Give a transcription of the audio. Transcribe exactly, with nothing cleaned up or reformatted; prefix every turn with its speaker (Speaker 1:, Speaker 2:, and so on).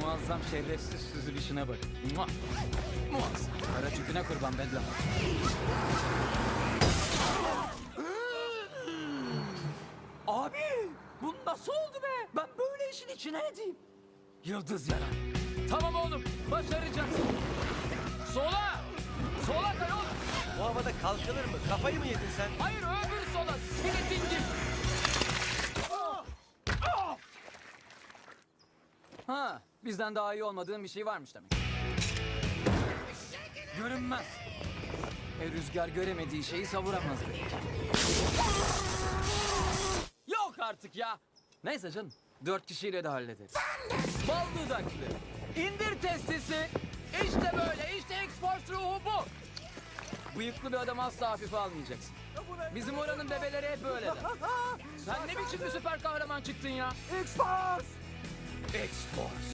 Speaker 1: muazzam şerefsiz süzülüşüne bak. Muah! Muazzam. Kara tüpüne kurban Bedlam. Abi! Bu nasıl oldu be? Ben böyle işin içine edeyim. Yıldız yaran. Tamam oğlum, başaracaksın. Sola! Sola kay oğlum.
Speaker 2: Bu havada kalkılır mı? Kafayı mı yedin sen?
Speaker 1: Hayır, öbür sola. Seni dingil. Ha, bizden daha iyi olmadığın bir şey varmış demek. Görünmez. E, rüzgar göremediği şeyi savuramaz belki. Yok artık ya. Neyse canım, dört kişiyle de hallederiz. Bal dudaklı. İndir testisi. İşte böyle, işte X-Force ruhu bu. Bıyıklı bir adamı asla hafife almayacaksın. Bizim oranın bebeleri hep böyleler. Sen ne biçim bir süper kahraman çıktın ya?
Speaker 3: X-Force!
Speaker 1: X-Force.